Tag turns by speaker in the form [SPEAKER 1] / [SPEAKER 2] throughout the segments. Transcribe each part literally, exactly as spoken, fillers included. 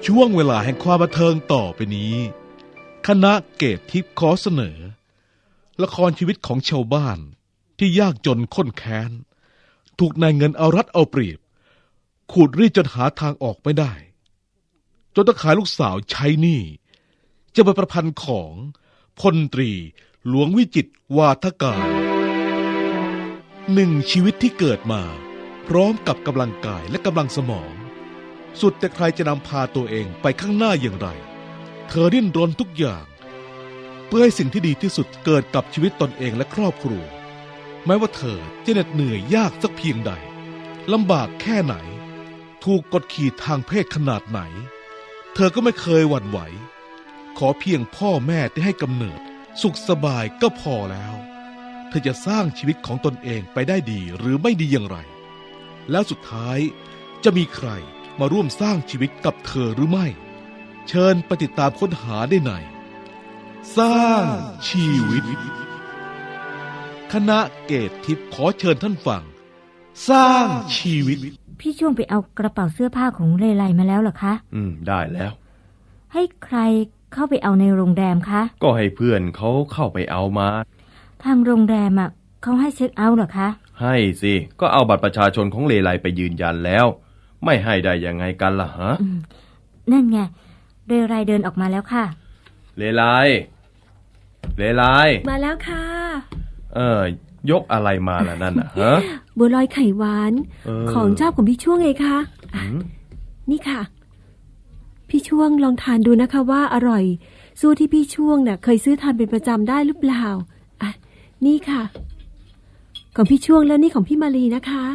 [SPEAKER 1] ช่วงเวลาแห่งความบันเทิงต่อไปนี้คณะเกตทิพย์ขอเสนอละครชีวิตของชาวบ้านที่ยากจนข้นแค้นถูกนายเงินเอารัดเอาเปรียบขูดรีดจนหาทางออกไม่ได้จนต้องขายลูกสาวใช้หนี้จะเป็นประพันธ์ของพลตรีหลวงวิจิตรวาทการหนึ่งชีวิตที่เกิดมาพร้อมกับกำลังกายและกำลังสมองสุดแต่ใครจะนำพาตัวเองไปข้างหน้าอย่างไรเธอดิ้นรนทุกอย่างเพื่อให้สิ่งที่ดีที่สุดเกิดกับชีวิตตนเองและครอบครัวแม้ว่าเธอจะเหน็ดเหนื่อยยากสักเพียงใดลำบากแค่ไหนถูกกดขี่ทางเพศขนาดไหนเธอก็ไม่เคยหวั่นไหวขอเพียงพ่อแม่ที่ให้กำเนิดสุขสบายก็พอแล้วเธอจะสร้างชีวิตของตนเองไปได้ดีหรือไม่ดีอย่างไรแล้วสุดท้ายจะมีใครมาร่วมสร้างชีวิตกับเธอหรือไม่เชิญไปติดตามค้นหาได้ในสร้างชีวิตคณะเกตทิพย์ขอเชิญท่านฟังสร้างชีวิต
[SPEAKER 2] พี่ช่วงไปเอากระเป๋าเสื้อผ้าของเลไลมาแล้วเหรอคะ
[SPEAKER 3] อืมได้แล้ว
[SPEAKER 2] ให้ใครเข้าไปเอาในโรงแรมคะ
[SPEAKER 3] ก็ให้เพื่อนเขาเข้าไปเอามา
[SPEAKER 2] ทางโรงแรมอ่ะเขาให้เช็คเอาท์เหรอคะ
[SPEAKER 3] ให้สิก็เอาบัตรประชาชนของเลไลไปยืนยันแล้วไม่ให้ได้ยังไงกันล่ะฮะ
[SPEAKER 2] นั่นไงเลไลเดินออกมาแล้วค่ะ
[SPEAKER 3] เลไลเลไล
[SPEAKER 4] มาแล้วค่ะ
[SPEAKER 3] เออยกอะไรมาล่ะนั่นน่ะฮะ
[SPEAKER 4] บัวลอยไข่หวานของชอบของพี่ช่วงไงคะนี่ค่ะพี่ช่วงลองทานดูนะคะว่าอร่อยสู้ที่พี่ช่วงน่ะเคยซื้อทานเป็นประจำได้หรือเปล่าอ่ะนี่ค่ะของพี่ช่วงแล้วนี่ของพี่มาลีนะคะ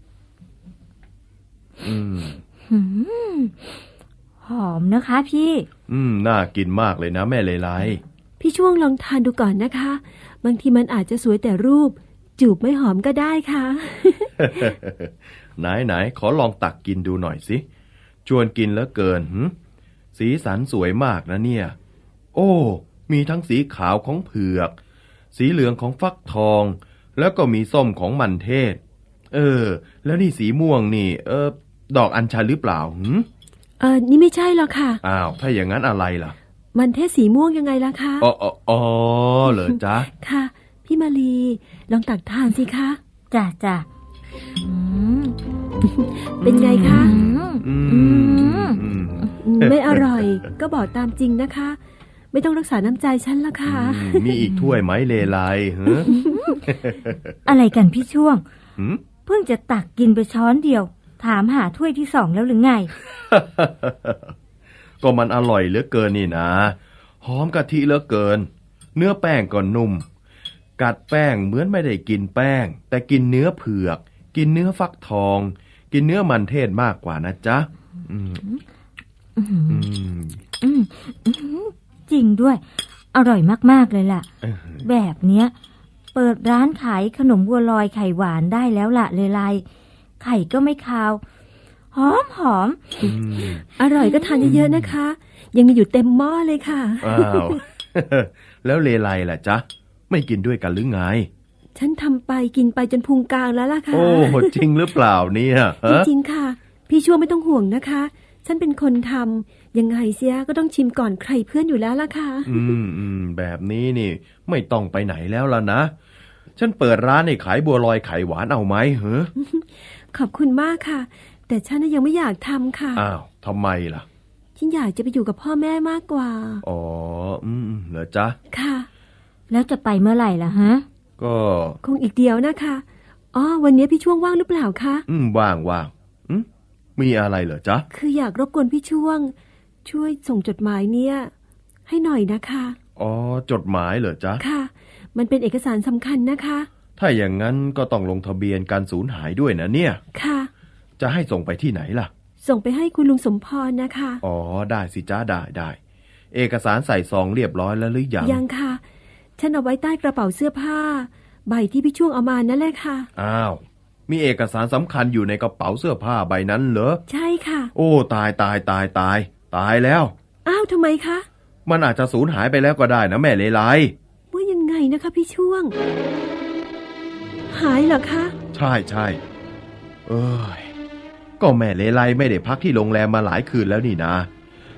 [SPEAKER 3] อืม
[SPEAKER 2] หอมนะคะพี่
[SPEAKER 3] อืมน่ากินมากเลยนะแม่เลไล
[SPEAKER 4] พี่ช่วงลองทานดูก่อนนะคะบางทีมันอาจจะสวยแต่รูปจูบไม่หอมก็ได้ค่ะ
[SPEAKER 3] ไหนไหนขอลองตักกินดูหน่อยสิชวนกินแล้วเกินหึสีสันสวยมากนะเนี่ยโอ้มีทั้งสีขาวของเผือกสีเหลืองของฟักทองแล้วก็มีส้มของมันเทศเออแล้วนี่สีม่วงนี่เออดอกอัญชันหรือเปล่าหึ
[SPEAKER 4] เออนี่ไม่ใช่หรอกค่ะ
[SPEAKER 3] อ้าวถ้าอย่างนั้นอะไรล่ะ
[SPEAKER 4] มันเทศสีม่วงยังไงล่ะคะ
[SPEAKER 3] อ๋ออ๋อเหรอจ๊ะ
[SPEAKER 4] ค่ะพี่มาลีลองตักทานสิคะ
[SPEAKER 2] จ้ะจ้ะ
[SPEAKER 4] เป็นไงคะไม่อร่อยก็บอกตามจริงนะคะไม่ต้องรักษาน้ำใจฉันละค่ะ
[SPEAKER 3] มีอีกถ้วยไหมเลไลฮะ
[SPEAKER 2] อะไรกันพี่ช่วงเพิ่งจะตักกินไปช้อนเดียวถามหาถ้วยที่สองแล้วหรือไง
[SPEAKER 3] ก็มันอร่อยเหลือเกินนี่นะหอมกะทิเหลือเกินเนื้อแป้งก็นุ่มกัดแป้งเหมือนไม่ได้กินแป้งแต่กินเนื้อเผือกกินเนื้อฟักทองกินเนื้อมันเทศมากกว่านะจ๊ะ
[SPEAKER 2] จริงด้วยอร่อยมากๆเลยล่ะแบบเนี้ยเปิดร้านขายขนมบัวลอยไข่หวานได้แล้วล่ะเลไลไข่ก็ไม่คาวหอมหอม
[SPEAKER 4] อร่อยก็ทานเยอะๆนะคะยังมีอยู่เต็มหม้อเลยค่ะ
[SPEAKER 3] อ้าวแล้วเลไลล่ะจ๊ะไม่กินด้วยกันหรือไง
[SPEAKER 4] ฉันทำไปกินไปจนพุงกลางแล้วล่ะค่ะ
[SPEAKER 3] โอ้จริงหรือเปล่าเนี่ย
[SPEAKER 4] จริงๆค่ะพี่ช่วงไม่ต้องห่วงนะคะฉันเป็นคนทำยังไงเสียก็ต้องชิมก่อนใครเพื่อนอยู่แล้วล่ะค่ะ
[SPEAKER 3] อืมอืมแบบนี้นี่ไม่ต้องไปไหนแล้วล่ะนะฉันเปิดร้านให้ขายบัวลอยไข่หวานเอาไหมเหรอ
[SPEAKER 4] ขอบคุณมากค่ะแต่ฉันยังไม่อยากทำค่ะ
[SPEAKER 3] อ้าวทำไมล่ะ
[SPEAKER 4] ฉันอยากจะไปอยู่กับพ่อแม่มากกว่า
[SPEAKER 3] อ๋ออืมเหรอจ๊ะ
[SPEAKER 4] ค่ะ
[SPEAKER 2] แล้วจะไปเมื่อไหร่ล่ะฮะ
[SPEAKER 3] ก็
[SPEAKER 4] คงอีกเดียวนะคะอ๋อวันนี้พี่ช่วงว่างหรือเปล่าคะ
[SPEAKER 3] อืมว่างว่างอืมมีอะไรเหรอจ๊ะ
[SPEAKER 4] คืออยากรบกวนพี่ช่วงช่วยส่งจดหมายเนี่ยให้หน่อยนะคะ
[SPEAKER 3] อ๋อจดหมายเหรอจ๊ะ
[SPEAKER 4] ค่ะมันเป็นเอกสารสำคัญนะคะ
[SPEAKER 3] ถ้าอย่างนั้นก็ต้องลงทะเบียนการสูญหายด้วยนะเนี่ย
[SPEAKER 4] ค่ะ
[SPEAKER 3] จะให้ส่งไปที่ไหนล่ะ
[SPEAKER 4] ส่งไปให้คุณลุงสมพรนะคะ
[SPEAKER 3] อ๋อได้สิจ้าได้ได้เอกสารใส่ซองเรียบร้อยแล้วหรือยัง
[SPEAKER 4] ยังค่ะฉันเอาไว้ใต้กระเป๋าเสื้อผ้าใบที่พี่ช่วงเอามานั่นแหละค่ะ
[SPEAKER 3] อ้าวมีเอกสารสำคัญอยู่ในกระเป๋าเสื้อผ้าใบนั้นเหรอ
[SPEAKER 4] ใช่ค่ะ
[SPEAKER 3] โอ้ตายตายตายตายตายแล้ว
[SPEAKER 4] อ้าวทำไมคะ
[SPEAKER 3] มันอาจจะสูญหายไปแล้วก็ได้นะแม่เลไล
[SPEAKER 4] ว่ายังไงนะคะพี่ช่วงหายเหรอคะ
[SPEAKER 3] ใช่ใช่เอ้ยก็แม่เลไลไม่ได้พักที่โรงแรมมาหลายคืนแล้วนี่นะ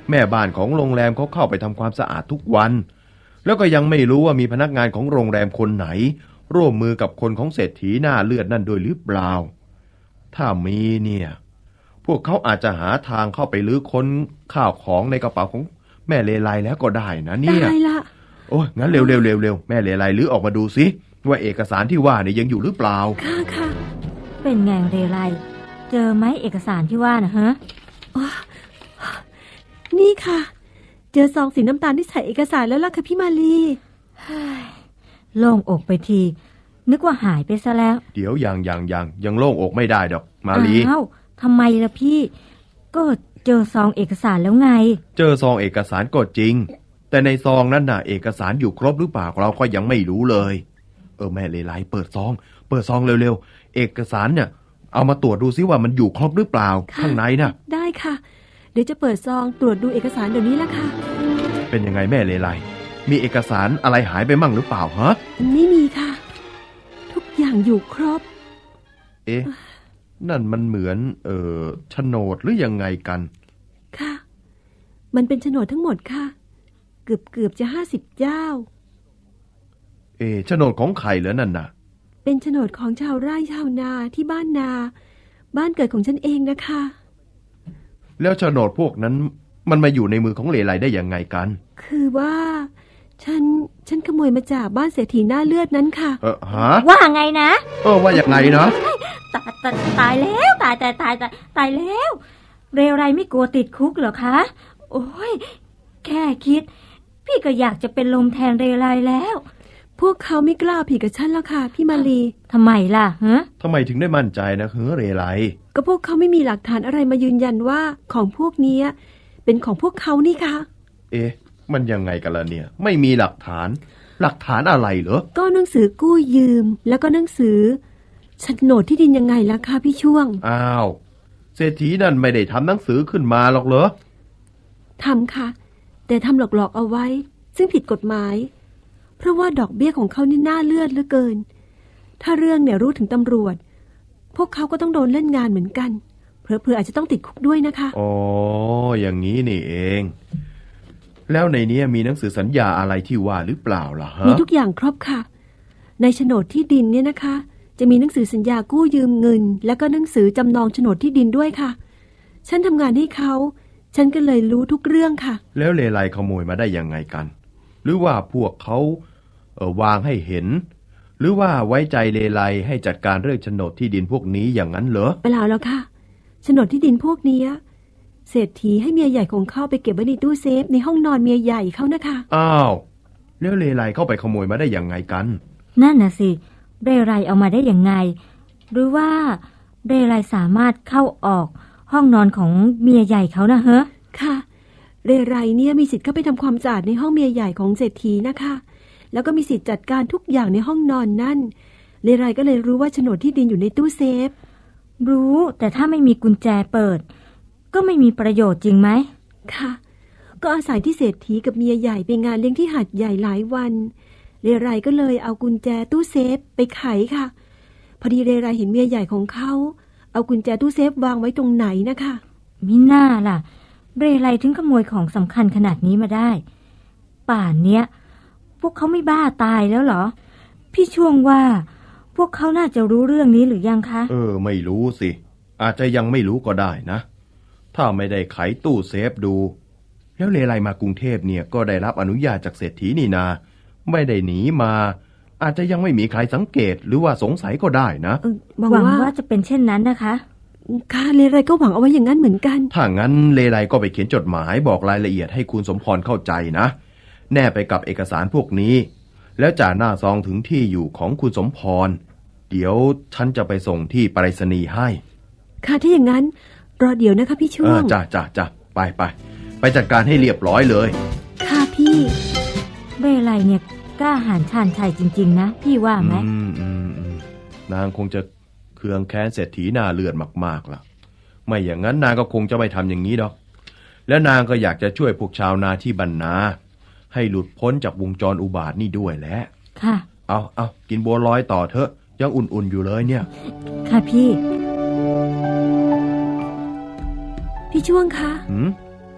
[SPEAKER 3] แม่บ้านของโรงแรมเขาเข้าไปทำความสะอาดทุกวันแล้วก็ยังไม่รู้ว่ามีพนักงานของโรงแรมคนไหนร่วมมือกับคนของเศรษฐีหน้าเลือดนั่นด้วยหรือเปล่าถ้ามีเนี่ยพวกเขาอาจจะหาทางเข้าไปลื้อค้นข้าวของในกระเป๋าของแม่เลไลแล้วก็ได้นะเนี่ย
[SPEAKER 4] ได้ละ
[SPEAKER 3] โอ้ยงั้นเร็วเร็วเร็วเร็วแม่เลไลลื้อออกมาดูสิว่าเอกสารที่ว่าเนี่ยยังอยู่หรือเปล่า
[SPEAKER 4] ค่ะค่ะ
[SPEAKER 2] เป็นไงเรไรเจอไหมเอกสารที่ว่านะฮะ
[SPEAKER 4] อ๋อนี่ค่ะ เจอซองสีน้ำตาลที่ใส่เอกสารแล้วล่ะค่ะพี่มาลี
[SPEAKER 2] โล่งอกไปที นึกว่าหายไปซะแล้ว
[SPEAKER 3] เดี๋ยวยังยังยังยังโล่งอกไม่ได้ดอกมาลี
[SPEAKER 2] อ้าวทำไมล่ะพี่ ก็เจอซองเอกสารแล้วไง
[SPEAKER 3] เจอซองเอกสารก็จริงแต่ในซองนั้นน่ะเอกสารอยู่ครบหรือเปล่าเราก็ยังไม่รู้เลยเออแม่เลไลเปิดซองเปิดซองเร็วๆเอกสารเนี่ยเอามาตรวจดูซิว่ามันอยู่ครบหรือเปล่าข้างในน่ะ
[SPEAKER 4] ได้ค่ะ เดี๋ยวจะเปิดซองตรวจดูเอกสารเดี๋ยวนี้ละค่ะ
[SPEAKER 3] เป็นยังไงแม่เลไลมีเอกสารอะไรหายไปมั่งหรือเปล่าฮะ
[SPEAKER 4] ไม่มีค่ะ ทุกอย่างอยู่ครบ
[SPEAKER 3] เอ๊ะนั่นมันเหมือนเอ่อโฉนดหรือยังไงกัน
[SPEAKER 4] ค่ะ มันเป็นโฉนดทั้งหมดค่ะ เกือบเกือบจะห้าสิบเจ้า
[SPEAKER 3] เอ๊ะโฉนดของใครเหรอนั่นน่ะ
[SPEAKER 4] เป็นโฉนดของชาวไร่ชาวนาที่บ้านนา บ้านเกิดของฉันเองนะคะ
[SPEAKER 3] แล้วโฉนดพวกนั้นมันมาอยู่ในมือของเลไลได้ยังไงกัน
[SPEAKER 4] คือว่า ฉันฉันขโมยมาจากบ้านเศรษฐีหน้าเลือดนั้นค่ะ
[SPEAKER 3] เออฮะ
[SPEAKER 2] ว่าไงนะ
[SPEAKER 3] เออว่าอย่างไงนะ
[SPEAKER 2] ตายตายตายแล้วตายตายตายตายตายแล้ว เรไรไม่กลัวติดคุกเหรอคะ โอ้ยแค่คิด พี่ก็อยากจะเป็นลมแทนเรไรแล้ว
[SPEAKER 4] พวกเขาไม่กล้าผิดกับฉันแล้วค่ะพี่มาลี
[SPEAKER 2] ทำไมล่ะฮะ
[SPEAKER 3] ทำไมถึงได้มั่นใจนะเฮ้อเรไล
[SPEAKER 4] ก็พวกเขาไม่มีหลักฐานอะไรมายืนยันว่าของพวกเนี้ยเป็นของพวกเขานี่ค่ะ
[SPEAKER 3] เอ๊ะมันยังไงกันล่ะเนี่ย ไม่มีหลักฐาน หลักฐานอะไรเหรอ
[SPEAKER 4] ก็หนังสือกู้ยืม แล้วก็หนังสือโฉนดที่ดินยังไงล่ะคะพี่ช่วง
[SPEAKER 3] อ้าวเศรษฐีนั่นไม่ได้ทำหนังสือขึ้นมาหรอกเหรอ
[SPEAKER 4] ทำค่ะ แต่ทำหลอกๆเอาไว้ ซึ่งผิดกฎหมาย เพราะว่าดอกเบี้ยของเขานี่น่าเลือดเหลือเกิน ถ้าเรื่องเนี่ยรู้ถึงตำรวจ พวกเขาก็ต้องโดนเล่นงานเหมือนกันเผลอๆอาจจะต้องติดคุกด้วยนะคะ
[SPEAKER 3] อ๋ออย่างนี้นี่เอง แล้วในนี้มีหนังสือสัญญาอะไรที่ว่าหรือเปล่าล่ะฮะ
[SPEAKER 4] มีทุกอย่างครบค่ะ ในโฉนดที่ดินเนี่ยนะคะ จะมีหนังสือสัญญากู้ยืมเงิน แล้วก็หนังสือจำนองโฉนดที่ดินด้วยค่ะ ฉันทำงานให้เขา ฉันก็เลยรู้ทุกเรื่องค่ะ
[SPEAKER 3] แล้วเลไลขโมยมาได้ยังไงกัน หรือว่าพวกเขาเออวางให้เห็น หรือว่าไว้ใจเลไลให้จัดการเรื่องโฉนดที่ดินพวกนี้อย่างนั้นเหรอ
[SPEAKER 4] เปล่าแล้วค่ะโฉนดที่ดินพวกเนี้ยเศรษฐีให้เมียใหญ่ของเขาไปเก็บไว้ในตู้เซฟในห้องนอนเมียใหญ่เขานะคะ
[SPEAKER 3] อ้าวแล้วเลไลเข้าไปขโมยมาได้ยังไงกัน
[SPEAKER 2] นั่นน่ะสิ เรไรเอามาได้ยังไง หรือว่าเรไรสามารถเข้าออกห้องนอนของเมียใหญ่เขานะฮะ
[SPEAKER 4] ค่ะเรไรเนี่ยมีสิทธิ์เข้าไปทำความสะอาดในห้องเมียใหญ่ของเศรษฐีนะคะ แล้วก็มีสิทธิ์จัดการทุกอย่างในห้องนอนนั่นเรไรก็เลยรู้ว่าโฉนดที่ดินอยู่ในตู้เซฟ
[SPEAKER 2] รู้แต่ถ้าไม่มีกุญแจเปิด ก็ไม่มีประโยชน์จริงไหม
[SPEAKER 4] ค่ะ ก็อาศัยที่เศรษฐีกับเมียใหญ่ไปงานเลี้ยงที่หาดใหญ่หลายวันเรไรก็เลยเอากุญแจตู้เซฟไปไขค่ะ พอดีเรไรเห็นเมียใหญ่ของเขาเอากุญแจตู้เซฟวางไว้ตรงไหนนะคะ
[SPEAKER 2] มิน่าล่ะ เรไรถึงขโมยของสำคัญขนาดนี้มาได้ ป่านเนี้ยพวกเขาไม่บ้าตายแล้วเหรอ พี่ช่วงว่า พวกเขาน่าจะรู้เรื่องนี้หรือยังคะ
[SPEAKER 3] เออไม่รู้สิ อาจจะยังไม่รู้ก็ได้นะ ถ้าไม่ได้ไขตู้เซฟดู แล้วเลไลมากรุงเทพเนี่ยก็ได้รับอนุญาตจากเศรษฐีนี่นา ไม่ได้หนีมา อาจจะยังไม่มีใครสังเกตหรือว่าสงสัยก็ได้นะ
[SPEAKER 4] เออหวัง
[SPEAKER 2] หวัง
[SPEAKER 4] ว่า
[SPEAKER 2] ว่าจะเป็นเช่นนั้นนะคะ
[SPEAKER 4] ค่ะเรไรก็หวังเอาไว้อย่างนั้นเหมือนกัน
[SPEAKER 3] ถ้างั้นเลไลก็ไปเขียนจดหมายบอกรายละเอียดให้คุณสมพรเข้าใจนะ แนบไปกับเอกสารพวกนี้ แล้วจ่าหน้าซองถึงที่อยู่ของคุณสมพร เดี๋ยวฉันจะไปส่งที่ไปรษณีย์ให้
[SPEAKER 4] ค่ะถ้าอย่างนั้นรอเดี๋ยวนะคะพี่
[SPEAKER 3] เอ
[SPEAKER 4] ช่ว
[SPEAKER 3] อง จ้าจ้าจ้าไปไปไปจัดการให้เรียบร้อยเลย
[SPEAKER 4] ค่ะพี่
[SPEAKER 2] เรไรเนี่ยกล้าหาญชาญชัยจริงๆนะพี่ว่าไหม
[SPEAKER 3] อืมอืมอืมนางคงจะเคืองแค้นเศรษฐีหน้าเลือดมากๆล่ะ ไม่อย่างนั้นนางก็คงจะไม่ทำอย่างนี้ดอก และนางก็อยากจะช่วยพวกชาวนาที่บรรนา ให้หลุดพ้นจากวงจรอุบาทนี่ด้วยแหละ
[SPEAKER 2] ค่ะ
[SPEAKER 3] เอาเอากินบัวลอยต่อเถอะยังอุ่นๆอยู่เลยเนี่ย
[SPEAKER 2] ค่ะพี่
[SPEAKER 4] พี่ช่วงคะ
[SPEAKER 3] หืมอ๋อ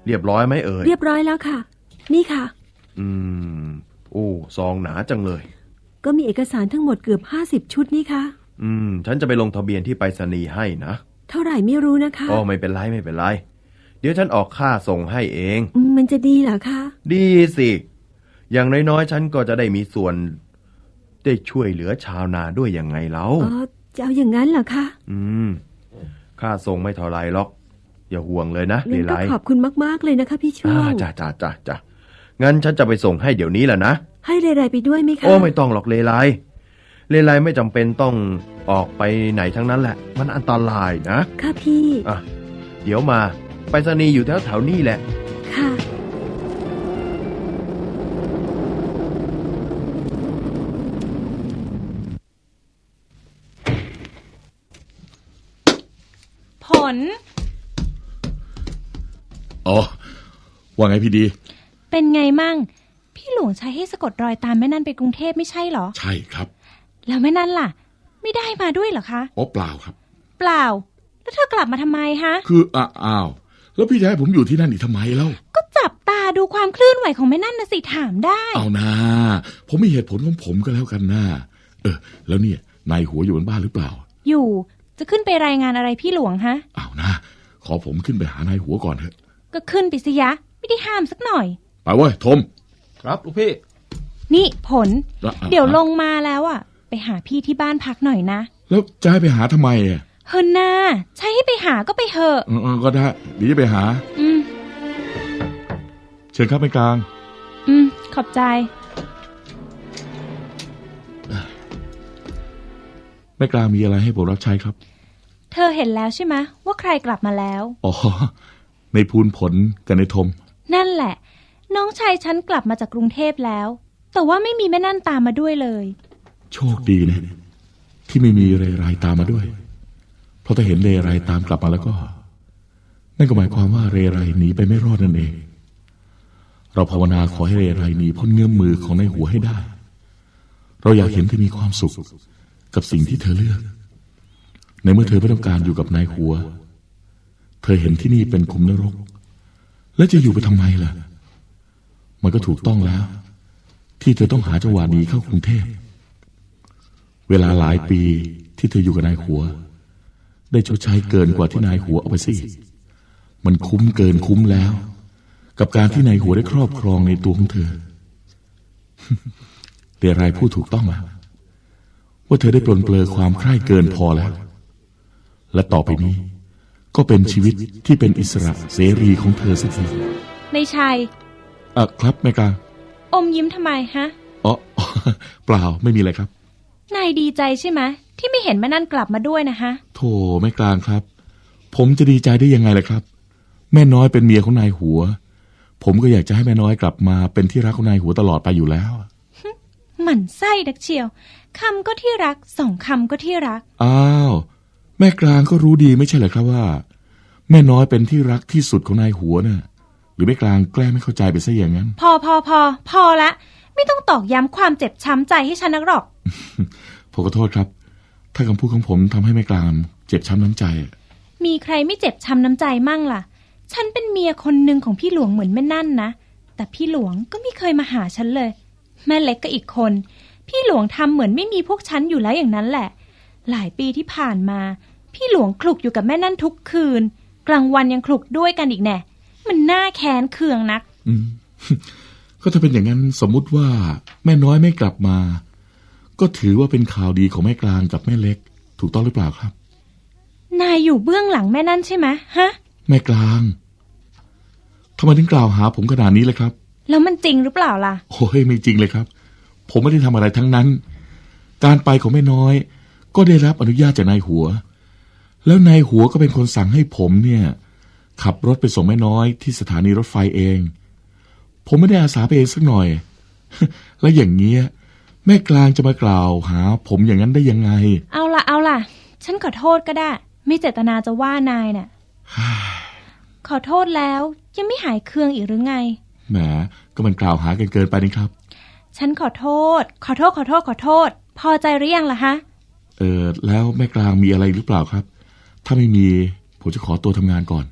[SPEAKER 3] เรียบร้อยไหมเอ่ย
[SPEAKER 4] เรียบร้อยแล้วค่ะ นี่ค่ะ
[SPEAKER 3] อืมโอ้ซองหนาจังเลย
[SPEAKER 4] ก็มีเอกสารทั้งหมดเกือบห้าสิบชุดนี่ค่ะ
[SPEAKER 3] อืมฉันจะไปลงทะเบียนที่ไปรษณีย์ให้นะ
[SPEAKER 4] เท่าไหร่ไม่รู้นะคะ
[SPEAKER 3] อ๋อไม่เป็นไรไม่เป็นไรเดี๋ยวฉันออกค่าส่งให้เอง
[SPEAKER 4] อืมมันจะดีเหรอคะ
[SPEAKER 3] ดีสิอย่างน้อยๆฉันก็จะได้มีส่วนได้ช่วยเหลือชาวนาด้วยยังไงเล่า
[SPEAKER 4] อ๋อจะเอาอย่างนั้นเหรอคะ
[SPEAKER 3] อืมค่าส่งไม่เท่าไรหรอกอย่าห่วงเลยนะเล
[SPEAKER 4] งั้น
[SPEAKER 3] ไล
[SPEAKER 4] ก็ขอบคุณมากๆเลยนะคะพี่ช่ว
[SPEAKER 3] อ่าง จ้าจ้าจ้าจ้างั้นฉันจะไปส่งให้เดี๋ยวนี้แหละนะ
[SPEAKER 4] ให้เรไรไปด้วยไหมคะ
[SPEAKER 3] โอ้ไม่ต้องหรอกเลไลเลไลไม่จำเป็นต้องออกไปไหนทั้งนั้นแหละมันอันตรายนะ
[SPEAKER 4] ค่ะพี่
[SPEAKER 3] อ่ะเดี๋ยวมาไปรษณีย์อยู่แถวแถวๆนี้แหละ
[SPEAKER 4] ค่ะ
[SPEAKER 5] ผล
[SPEAKER 6] อ๋อว่าไงพี่ดี
[SPEAKER 5] เป็นไงมั่งพี่หลวงใช้ให้สะกดรอยตามแม่นั่นไปกรุงเทพไม่ใช่เหรอ
[SPEAKER 6] ใช่ครับ
[SPEAKER 5] แล้วแม่นั่นล่ะ ไม่ได้มาด้วยเหรอคะ
[SPEAKER 6] อ๋อเปล่าครับ
[SPEAKER 5] เปล่า แล้วเธอกลับมาทำไมฮะ
[SPEAKER 6] คืออ้าอ้าวแล้วพี่จะให้ผมอยู่ที่นั่นอีกทำไมเล่า
[SPEAKER 5] ก็จับตาดูความเคลื่อนไหวของแม่นั่นนะสิถามได้
[SPEAKER 6] เอานะผมมีเหตุผลของผมก็แล้วกันนะเออแล้วเนี่ยนายหัวอยู่บนบ้านหรือเปล่า
[SPEAKER 5] อยู่จะขึ้นไปรายงานอะไรพี่หลวงฮะ
[SPEAKER 6] เอานะขอผมขึ้นไปหานายหัวก่อนเถอะ
[SPEAKER 5] ก็ขึ้นไปสิยะ ไม่ได้ห้ามสักหน่อย
[SPEAKER 6] ไปเว้ยทม
[SPEAKER 1] ครับลูกพี่
[SPEAKER 5] นี่ผล
[SPEAKER 6] อ่ะอ่ะ
[SPEAKER 5] เดี๋ยวลงมาแล้วอ่ะ ไปหาพี่ที่บ้านพักหน่อยนะ
[SPEAKER 6] แล้วจะให้ไปหาทำไมอ่ะ
[SPEAKER 5] เฮินนาใช้ให้ไปหาก็ไปเถอะ
[SPEAKER 6] เออเออก็ได้เดี๋ยวจะไปหา
[SPEAKER 5] อืม
[SPEAKER 6] เชิญครับไปกลาง
[SPEAKER 5] อืมขอบใจ
[SPEAKER 6] แม่กลางมีอะไรให้ผมรับใช้ครับ
[SPEAKER 5] เธอเห็นแล้วใช่ไหมว่าใครกลับมาแล้ว
[SPEAKER 6] อ๋อในภูนผลกับในทม
[SPEAKER 5] นั่นแหละ น้องชายฉันกลับมาจากกรุงเทพแล้ว แต่ว่าไม่มีแม่นั่นตามมาด้วยเลย
[SPEAKER 6] โชคดีนะที่ไม่มีเรไรตามมาด้วย เพราะถ้าเห็นเรไรตามกลับมาแล้วก็ นั่นก็หมายความว่าเรไรหนีไปไม่รอดนั่นเอง เราภาวนาขอให้เรไรหนีพ้นเงื้อมมือของนายหัวให้ได้ เราอยากเห็นเธอมีความสุขกับสิ่งที่เธอเลือก ในเมื่อเธอไม่ต้องการอยู่กับนายหัว เธอเห็นที่นี่เป็นขุมนรก แล้วจะอยู่ไปทำไมล่ะ มันก็ถูกต้องแล้ว ที่เธอต้องหาจังหวะหนีเข้ากรุงเทพเวลาหลายปีที่เธออยู่กับนายหัว ได้ชดใช้เกินกว่าที่นายหัวเอาไปสิมันคุ้มเกินคุ้มแล้ว กับการที่นายหัวได้ครอบครองในตัวของเธอ เรไรพูดถูกต้องไหมว่าเธอได้ปลนเปลือความใคร่เกินพอแล้ว และต่อไปนี้ ก็เป็นชีวิตที่เป็นอิสระเสรีของเธอสักที
[SPEAKER 5] ในชัย
[SPEAKER 6] อ่ะครับแม่กลาง
[SPEAKER 5] อมยิ้มทำไมฮะ
[SPEAKER 6] อ๋อ เปล่าไม่มีอะไรครับ
[SPEAKER 5] นายดีใจใช่ไหมที่ไม่เห็นแม่นั่นกลับมาด้วยนะฮะ
[SPEAKER 6] โธ่แม่กลางครับ ผมจะดีใจได้ยังไงล่ะครับ แม่น้อยเป็นเมียของนายหัว ผมก็อยากจะให้แม่น้อยกลับมาเป็นที่รักของนายหัวตลอดไปอยู่แล้ว
[SPEAKER 5] หมั่นไส้ดักเชียวคำก็ที่รักสองคำก็ที่รัก
[SPEAKER 6] อ้าวแม่กลางก็รู้ดีไม่ใช่เหรอครับว่า แม่น้อยเป็นที่รักที่สุดของนายหัวน่ะหรือแม่กลางแกล้งไม่เข้าใจไปซะอย่างนั้น
[SPEAKER 5] พอพอพอพอละไม่ต้องตอกย้ำความเจ็บช้ำใจให้ฉันนักหรอก
[SPEAKER 6] ผมขอโทษครับ ถ้าคำพูดของผมทำให้แม่กลางเจ็บช้ำน้ำใจ
[SPEAKER 5] มีใครไม่เจ็บช้ำน้ำใจมั่งล่ะ ฉันเป็นเมียคนหนึ่งของพี่หลวงเหมือนแม่นั่นนะแต่พี่หลวงก็ไม่เคยมาหาฉันเลย แม่เล็กก็อีกคน พี่หลวงทำเหมือนไม่มีพวกฉันอยู่แล้วอย่างนั้นแหละหลายปีที่ผ่านมาพี่หลวงคลุกอยู่กับแม่นั่นทุกคืนกลางวันยังคลุกด้วยกันอีกแน่มันน่าแค้นเคืองนัก
[SPEAKER 6] อืม ก็ถ้าเป็นอย่างนั้นสมมุติว่าแม่น้อยไม่กลับมา ก็ถือว่าเป็นข่าวดีของแม่กลางกับแม่เล็ก ถูกต้องหรือเปล่าครับ
[SPEAKER 5] นายอยู่เบื้องหลังแม่นั่นใช่ไหมฮะ
[SPEAKER 6] แม่กลางทำไมถึงกล่าวหาผมขนาดนี้เลยครับ
[SPEAKER 5] แล้วมันจริงหรือเปล่าล่ะ
[SPEAKER 6] โอ้ยไม่จริงเลยครับ ผมไม่ได้ทำอะไรทั้งนั้น การไปของแม่น้อย ก็ได้รับอนุญาตจากนายหัว แล้วนายหัวก็เป็นคนสั่งให้ผมเนี่ย ขับรถไปส่งแม่น้อยที่สถานีรถไฟเอง ผมไม่ได้อาสาไปเองสักหน่อย และอย่างเงี้ยแม่กลางจะมากล่าวหาผมอย่างนั้นได้ยังไง
[SPEAKER 5] เอาล่ะเอาล่ะฉันขอโทษก็ได้ไม่เจตนาจะว่านายน่ะ ขอโทษแล้วยังไม่หายเคืองอีกหรือไง
[SPEAKER 6] แหมก็มันกล่าวหากันเกินไปนี่ครับ
[SPEAKER 5] ฉันขอโทษขอโทษขอโทษขอโทษพอใจหรือยังล่ะฮะ
[SPEAKER 6] เออแล้วแม่กลางมีอะไรหรือเปล่าครับ ถ้าไม่มีผมจะขอตัวทำงานก่อน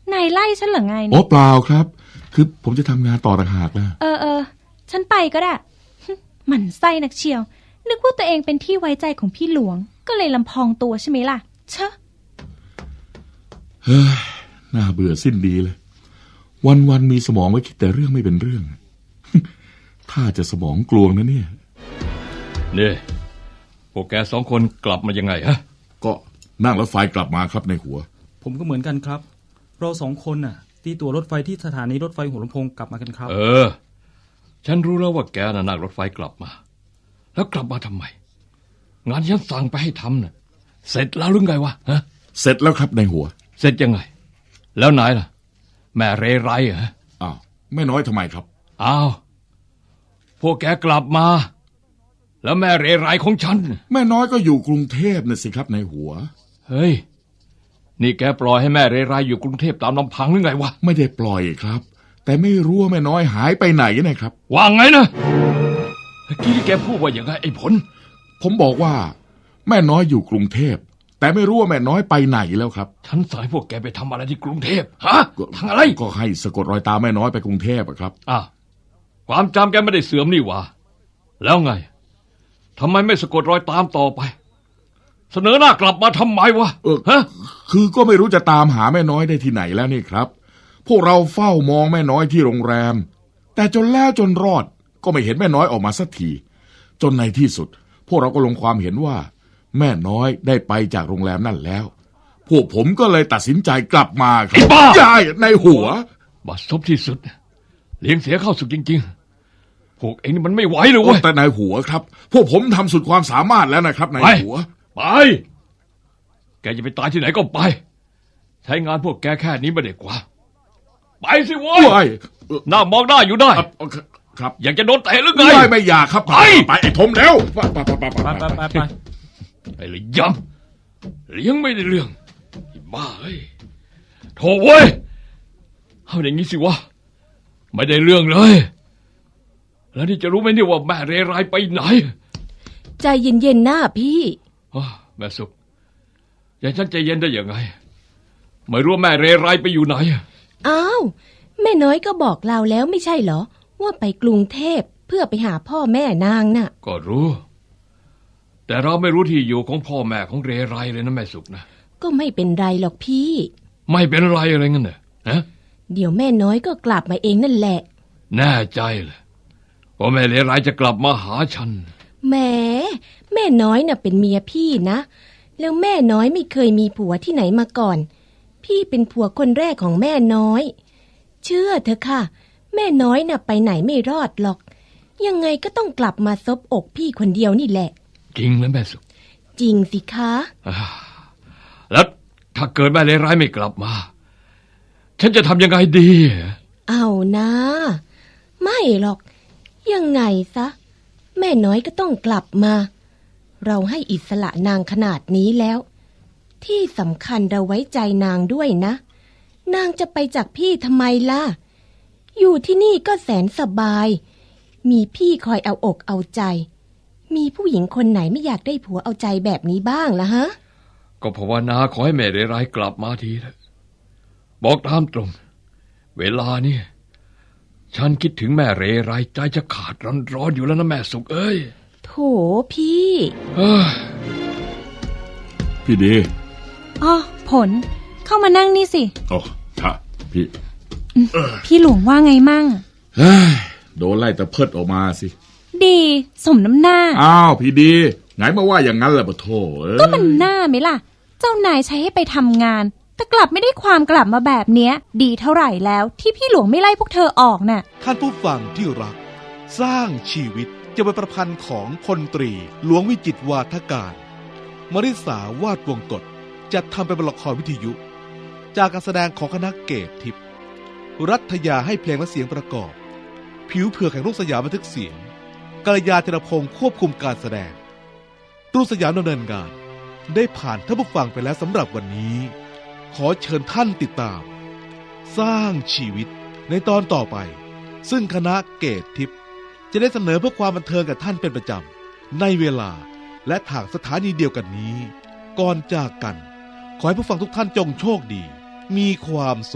[SPEAKER 5] นายไล่ฉันเหรอไง
[SPEAKER 6] โอ้
[SPEAKER 5] เนี่ย
[SPEAKER 6] เปล่าครับ คือผมจะทำงานต่อต่างหากนะ
[SPEAKER 5] เออเออฉันไปก็ได้ หมั่นไส้นักเชียว นึกว่าตัวเองเป็นที่ไว้ใจของพี่หลวง ก็เลยลำพองตัวใช่ไหมล่ะเชอะ
[SPEAKER 6] เฮ้ยน่าเบื่อสิ้นดีเลย วันวันๆมีสมองไว้คิดแต่เรื่องไม่เป็นเรื่อง ถ้าจะสมองกลวงนะเนี่ย
[SPEAKER 7] นี่พวกแกสองคนกลับมายังไงฮะ
[SPEAKER 6] ก็นั่งรถไฟกลับมาครับในหัว
[SPEAKER 8] ผมก็เหมือนกันครับ เราสองคนน่ะตีตั๋วรถไฟที่สถานีรถไฟหัวลำโพงกลับมากันครับ
[SPEAKER 7] เออ ฉันรู้แล้วว่าแกน่ะนั่งรถไฟกลับมา แล้วกลับมาทำไม งานที่ฉันสั่งไปให้ทำน่ะเสร็จแล้วหรือไงวะฮะ
[SPEAKER 6] เสร็จแล้วครับในหัว
[SPEAKER 7] เสร็จยังไง แล้วไหนล่ะ แม่เรไรเหรอ
[SPEAKER 6] อ้าวแม่น้อยทำไมครับ
[SPEAKER 7] อ้าวพวกแกกลับมา แล้วแม่เรไรของฉัน
[SPEAKER 6] แม่น้อยก็อยู่กรุงเทพน่ะสิครับในหัว
[SPEAKER 7] เฮ้ยนี่แกปล่อยให้แม่เรไรอยู่กรุงเทพตามลำพังหรือไงวะ
[SPEAKER 6] ไม่ได้ปล่อยครับ แต่ไม่รู้ว่าแม่น้อยหายไปไหนนะครับ
[SPEAKER 7] ว่าไงนะเมื่อกี้ที่แกพูดว่าอย่างไรไอ้ผล
[SPEAKER 6] ผมบอกว่า แม่น้อยอยู่กรุงเทพแต่ไม่รู้ว่าแม่น้อยไปไหนแล้วครับ
[SPEAKER 7] ฉันสั่งให้พวกแกไปทำอะไรที่กรุงเทพฮะทำอะไร
[SPEAKER 6] ก็ให้สะกดรอยตามแม่น้อยไปกรุงเทพอะครับ
[SPEAKER 7] อ่ะความจำแกไม่ได้เสื่อมนี่หว่าแล้วไงทำไมไม่สะกดรอยตามต่อไป เสนอหน้ากลับมาทำไมวะ
[SPEAKER 6] เออ
[SPEAKER 7] ฮะ
[SPEAKER 6] คือก็ไม่รู้จะตามหาแม่น้อยได้ที่ไหนแล้วนี่ครับ พวกเราเฝ้ามองแม่น้อยที่โรงแรม แต่จนแล้วจนรอดก็ไม่เห็นแม่น้อยออกมาสักทีจนในที่สุด พวกเราก็ลงความเห็นว่า แม่น้อยได้ไปจากโรงแรมนั่นแล้ว พวกผมก็เลยตัดสินใจกลับมาครับ
[SPEAKER 7] ไอ้บ้า
[SPEAKER 6] ยายในหัว
[SPEAKER 7] บัดซบที่สุดเลี้ยงเสียเข้าสุดจริงๆพวกเองนี่มันไม่ไหวเลยเว้ย
[SPEAKER 6] แต่ในหัวครับ พวกผมทำสุดความสามารถแล้วนะครับใน
[SPEAKER 7] ไป
[SPEAKER 6] หัว
[SPEAKER 7] ไปแกจะไปตายที่ไหนก็ไป ใช้งานพวกแกแค่นี้ไม่ได้กว่าไปสิเว้ย
[SPEAKER 6] ว้ายเอ่อ
[SPEAKER 7] หน้ามองหน้าอยู่ได้
[SPEAKER 6] เอ่อครับ
[SPEAKER 7] อยากจะโดนเตะหรือไง
[SPEAKER 6] ไม่ไม่อยากครับ
[SPEAKER 7] ไป
[SPEAKER 6] ไปไอ้ทมแล้วไปไปไปไป
[SPEAKER 8] ไปไปไปไป
[SPEAKER 7] ไอ้เลยย้ำเลี้ยงไม่ได้เรื่องไอ้บ้าเอ้ยโถ่เว้ยเอาอย่างนี้สิวะไม่ได้เรื่องเลย แล้วนี่จะรู้ไหมเนี่ยว่าแม่เรไรไปไหน
[SPEAKER 9] ใจเย็นๆหน้าพี่
[SPEAKER 7] อ้าวแม่สุขอย่าฉันใจเย็นได้ยังไงไม่รู้ว่าแม่เรไรไปอยู่ไหน
[SPEAKER 9] อ้าวแม่น้อยก็บอกเราแล้วไม่ใช่เหรอว่าไปกรุงเทพเพื่อไปหาพ่อแม่นางน่ะ
[SPEAKER 7] ก็รู้ แต่เราไม่รู้ที่อยู่ของพ่อแม่ของเรไรเลยนะแม่สุขนะ
[SPEAKER 9] ก็ไม่เป็นไรหรอกพี่
[SPEAKER 7] ไม่เป็นไรอะไรงั้นเหรอฮะ
[SPEAKER 9] เดี๋ยวแม่น้อยก็กลับมาเองนั่นแหละ
[SPEAKER 7] แน่ใจเลยว่าแม่เรไรจะกลับมาหาฉัน
[SPEAKER 9] แหมแม่น้อยน่ะเป็นเมียพี่นะแล้วแม่น้อยไม่เคยมีผัวที่ไหนมาก่อน พี่เป็นผัวคนแรกของแม่น้อย เชื่อเถอะค่ะ แม่น้อยน่ะไปไหนไม่รอดหรอก ยังไงก็ต้องกลับมาซบอกพี่คนเดียวนี่แหละ
[SPEAKER 7] จริงแล้วแม่สุข
[SPEAKER 9] จริงสิคะ
[SPEAKER 7] อ่าแล้วถ้าเกิดแม่เลวร้ายไม่กลับมา ฉันจะทำยังไงดี
[SPEAKER 9] เอานะไม่หรอก ยังไงซะ แม่น้อยก็ต้องกลับมา เราให้อิสระนางขนาดนี้แล้ว ที่สำคัญเราไว้ใจนางด้วยนะ นางจะไปจากพี่ทำไมล่ะ อยู่ที่นี่ก็แสนสบาย มีพี่คอยเอาอกเอาใจ มีผู้หญิงคนไหนไม่อยากได้ผัวเอาใจแบบนี้บ้างล่ะฮะ
[SPEAKER 7] ก็ภาวนาขอให้แม่เลวร้ายกลับมาทีเถอะบอกตามตรง เวลานี่ฉันคิดถึงแม่เรไรใจจะขาดร้อนๆอยู่แล้วนะแม่สุขเอ้ย
[SPEAKER 9] โถพี่
[SPEAKER 7] เอ้ย
[SPEAKER 6] พี่ดี
[SPEAKER 5] อ๋อผลเข้ามานั่งนี่สิ
[SPEAKER 6] โอ้ค่ะพี่
[SPEAKER 5] พี่หลวงว่าไงมั่ง
[SPEAKER 6] เฮ้ยโดนไล่แต่เพิดออกมาสิ
[SPEAKER 5] ดีสมน้ำหน้า
[SPEAKER 6] อ้าวพี่ดีไงมาว่าอย่างนั้นแหละปะโถเอ้ย
[SPEAKER 5] ก็มันหน้าไหมล่ะ เจ้านายใช้ให้ไปทำงาน แต่กลับไม่ได้ความกลับมาแบบเนี้ย ดีเท่าไหร่แล้วที่พี่หลวงไม่ไล่พวกเธอออกน่ะ
[SPEAKER 1] ท่านผู้ฟังที่รัก สร้างชีวิตจะเป็นประพันธ์ของพลตรีหลวงวิจิตรวาทการมริษาวาดวงกฎจัดทำเป็นละครวิทยุ จากการแสดงของคณะเกตทิพย์รัฐยาให้เพลงและเสียงประกอบ ผิวเผือกแห่งรุ่งสยามบันทึกเสียงกัลยาธีรพงศ์ควบคุมการแสดงรุ่งสยามดำเนินงาน ได้ผ่านท่านผู้ฟังไปแล้วสำหรับวันนี้ ขอเชิญท่านติดตาม สร้างชีวิตในตอนต่อไป ซึ่งคณะเกตทิพย์จะได้เสนอเพื่อความบันเทิงกับท่านเป็นประจำในเวลาและทางสถานีเดียวกันนี้ ก่อนจากกัน ขอให้ผู้ฟังทุกท่านจงโชคดี มีความสุข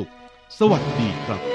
[SPEAKER 1] สวัสดีครับ